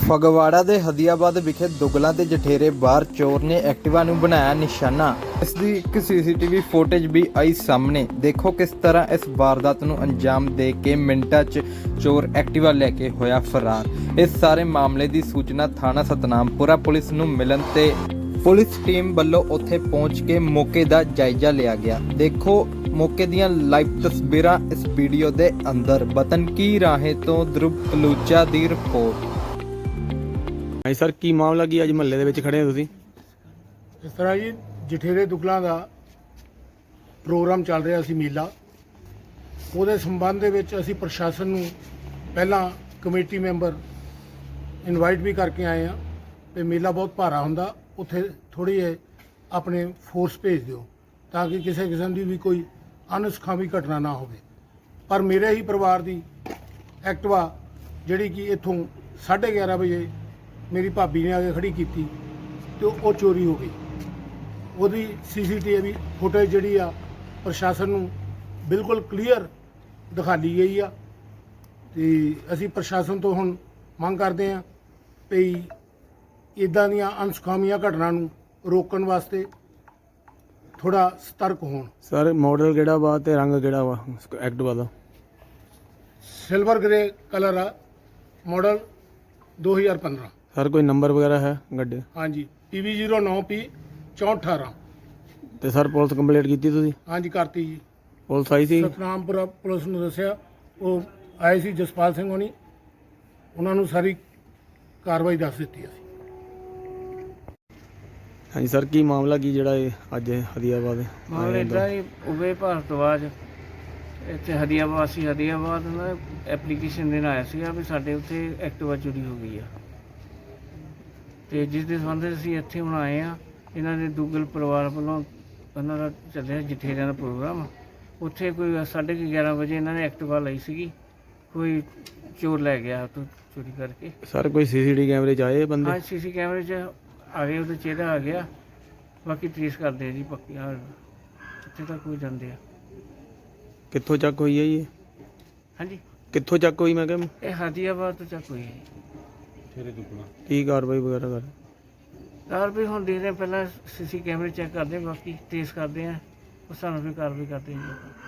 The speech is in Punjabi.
ਫਗਵਾੜਾ ਦੇ ਹਦੀਆਬਾਦ ਵਿਖੇ ਦੁਗਲਾਂ ਦੇ ਜਠੇਰੇ ਬਾਹਰ ਚੋਰ ਨੇ ਐਕਟਿਵਾ ਨੂੰ ਬਣਾਇਆ ਨਿਸ਼ਾਨਾ। ਇਸ ਦੀ ਇੱਕ ਸੀਸੀਟੀਵੀ ਫੁਟੇਜ ਵੀ ਆਈ ਸਾਹਮਣੇ। ਦੇਖੋ ਕਿਸ ਤਰ੍ਹਾਂ ਇਸ ਵਾਰਦਾਤ ਨੂੰ ਅੰਜਾਮ ਦੇ ਕੇ ਮਿੰਟਾਂ 'ਚ ਚੋਰ ਐਕਟਿਵਾ ਲੈ ਕੇ ਹੋਇਆ ਫਰਾਰ। ਇਸ ਸਾਰੇ ਮਾਮਲੇ ਦੀ ਸੂਚਨਾ ਥਾਣਾ ਸਤਨਾਮਪੁਰਾ ਪੁਲਿਸ ਨੂੰ ਮਿਲਣ ਤੇ ਪੁਲਿਸ ਟੀਮ ਵੱਲੋਂ ਉੱਥੇ ਪਹੁੰਚ ਕੇ ਮੌਕੇ ਦਾ ਜਾਇਜ਼ਾ ਲਿਆ ਗਿਆ। ਦੇਖੋ ਮੌਕੇ ਦੀਆਂ ਲਾਈਵ ਤਸਵੀਰਾਂ ਇਸ ਵੀਡੀਓ ਦੇ ਅੰਦਰ। ਵਤਨ ਕੀ ਰਾਹੇ ਤੋਂ ਧਰੁਵ ਬਲੂਚਾ ਦੀ ਰਿਪੋਰਟ। ਹਾਂਜੀ ਸਰ, ਕੀ ਮਾਮਲਾ ਕੀ ਅੱਜ ਮਹੱਲੇ ਦੇ ਵਿੱਚ ਖੜੇ ਹੋ ਤੁਸੀਂ? ਇਸ ਤਰ੍ਹਾਂ ਜੀ ਜਠੇਰੇ ਦੁਗਲਾਂ ਦਾ ਪ੍ਰੋਗਰਾਮ ਚੱਲ ਰਿਹਾ ਸੀ ਮੇਲਾ। ਉਹਦੇ ਸੰਬੰਧ ਦੇ ਵਿੱਚ ਅਸੀਂ ਪ੍ਰਸ਼ਾਸਨ ਨੂੰ ਪਹਿਲਾਂ ਕਮੇਟੀ ਮੈਂਬਰ ਇਨਵਾਈਟ ਵੀ ਕਰਕੇ ਆਏ ਆ ਤੇ ਮੇਲਾ ਬਹੁਤ ਭਾਰਾ ਹੁੰਦਾ, ਉੱਥੇ ਥੋੜੀ ਆਪਣੇ ਫੋਰਸ ਭੇਜ ਦਿਓ ਤਾਂ ਕਿ ਕਿਸੇ ਕਿਸਮ ਦੀ ਵੀ ਕੋਈ ਅਨਸੁਖਾਵੀ ਘਟਨਾ ਨਾ ਹੋਵੇ। ਪਰ ਮੇਰੇ ਹੀ ਪਰਿਵਾਰ ਦੀ ਐਕਟਿਵਾ ਜਿਹੜੀ ਕਿ ਇੱਥੋਂ 11:30 ਵਜੇ ਮੇਰੀ ਭਾਬੀ ਨੇ ਆ ਕੇ ਖੜੀ ਕੀਤੀ ਤੇ ਉਹ ਚੋਰੀ ਹੋ ਗਈ। ਉਹਦੀ ਸੀਸੀਟੀਵੀ ਫੁਟੇਜ ਜਿਹੜੀ ਆ ਪ੍ਰਸ਼ਾਸਨ ਨੂੰ ਬਿਲਕੁਲ ਕਲੀਅਰ ਦਿਖਾਈ ਗਈ ਆ ਤੇ ਅਸੀਂ ਪ੍ਰਸ਼ਾਸਨ ਤੋਂ ਹੁਣ ਮੰਗ ਕਰਦੇ ਆ ਵੀ ਇਦਾਂ ਦੀਆਂ ਅਨਸੁਖਾਵੀਆਂ ਘਟਨਾ ਨੂੰ ਰੋਕਣ ਵਾਸਤੇ ਥੋੜਾ ਸਤਰਕ ਹੋਣ। ਸਰ ਮਾਡਲ ਕਿਹੜਾ ਵਾ ਤੇ ਰੰਗ ਕਿਹੜਾ ਵਾ ਐਕਟਿਵਾ ਦਾ? ਸਿਲਵਰ ਗ੍ਰੇ ਕਲਰ ਆ, ਮਾਡਲ 2015। ਸਰ ਕੋਈ ਨੰਬਰ ਵਗੈਰਾ ਹੈ ਗੱਡੀ? ਹਾਂਜੀ, PV09P 6418। ਤੇ ਸਰ ਪੁਲਿਸ ਕੰਪਲੇਂਟ ਕੀਤੀ ਤੁਸੀਂ? ਹਾਂਜੀ ਕਰਤੀ ਜੀ। ਪੁਲਿਸ ਆਈ ਸੀ? ਸਤਨਾਮਪੁਰਾ ਪੁਲਿਸ ਨੂੰ ਦੱਸਿਆ, ਉਹ ਆਏ ਸੀ ਜਸਪਾਲ ਸਿੰਘ ਹੋਣੀ, ਉਹਨਾਂ ਨੂੰ ਸਾਰੀ ਕਾਰਵਾਈ ਦੱਸ ਦਿੱਤੀ ਅਸੀਂ। ਹਾਂਜੀ ਸਰ, ਕੀ ਮਾਮਲਾ ਕੀ ਜਿਹੜਾ ਇਹ ਅੱਜ ਹਦੀਆਬਾਦ ਮਾਮਲਾ ਇੱਦਾਂ ਹੀ ਉਵੇ ਭਾਰਤਵਾਜ ਇੱਥੇ ਹਦੀਆਬਾਦ ਨਾ ਐਪਲੀਕੇਸ਼ਨ ਦੇਣ ਆਇਆ ਸੀਗਾ ਵੀ ਸਾਡੇ ਉੱਥੇ ਐਕਟਿਵਾ ਚੋਰੀ ਹੋ ਗਈ ਆ ਤੇ ਜਿਸ ਦੇ ਸੰਬੰਧ ਵਿੱਚ ਅਸੀਂ ਇੱਥੇ ਹੁਣ ਆਏ ਆ। ਇਹਨਾਂ ਦੇ ਦੁੱਗਲ ਪਰਿਵਾਰ ਵੱਲੋਂ ਉਹਨਾਂ ਦਾ ਚੱਲਿਆ ਜਠੇਰਿਆਂ ਦਾ ਪ੍ਰੋਗਰਾਮ। ਉੱਥੇ ਕੋਈ 11:30 ਵਜੇ ਇਹਨਾਂ ਨੇ ਐਕਟਿਵਾ ਲਈ ਸੀਗੀ, ਕੋਈ ਚੋਰ ਲੈ ਗਿਆ ਉੱਥੋਂ ਚੋਰੀ ਕਰਕੇ। ਸਰ ਕੋਈ ਸੀਸੀਟੀਵੀ ਕੈਮਰੇ 'ਚ ਆਏ ਬੰਦੇ? ਹਾਂ, ਸੀਸੀ ਕੈਮਰੇ 'ਚ ਆ ਗਏ, ਉਹਦਾ ਚਿਹਰਾ ਆ ਗਿਆ। ਬਾਕੀ ਟ੍ਰੇਸ ਕਰਦੇ ਆ ਜੀ ਪੱਕੀ ਉੱਥੇ ਤੱਕ ਹੋ ਜਾਂਦੇ ਆ। ਕਿੱਥੋਂ ਚੱਕ ਹੋਈ ਹੈ ਜੀ ਇਹ? ਹਾਂਜੀ, ਕਿੱਥੋਂ ਚੱਕ ਹੋਈ ਮੈਂ ਕਿਹਾ? ਇਹ ਹਦੀਆਬਾਦ ਤੋਂ ਚੱਕ ਹੋਈ ਹੈ। ਕੀ ਕਾਰਵਾਈ ਵਗੈਰਾ ਕਰ? ਕਾਰਵਾਈ ਹੁਣ ਦੇਖਦੇ ਹਾਂ, ਪਹਿਲਾਂ ਸੀਸੀ ਕੈਮਰੇ ਚੈੱਕ ਕਰਦੇ ਹਾਂ, ਬਾਕੀ ਟ੍ਰੇਸ ਕਰਦੇ ਹਾਂ, ਉਸ ਹਿਸਾਬ ਨਾਲ ਫਿਰ ਕਾਰਵਾਈ ਕਰਦੇ ਹਾਂ ਜੀ।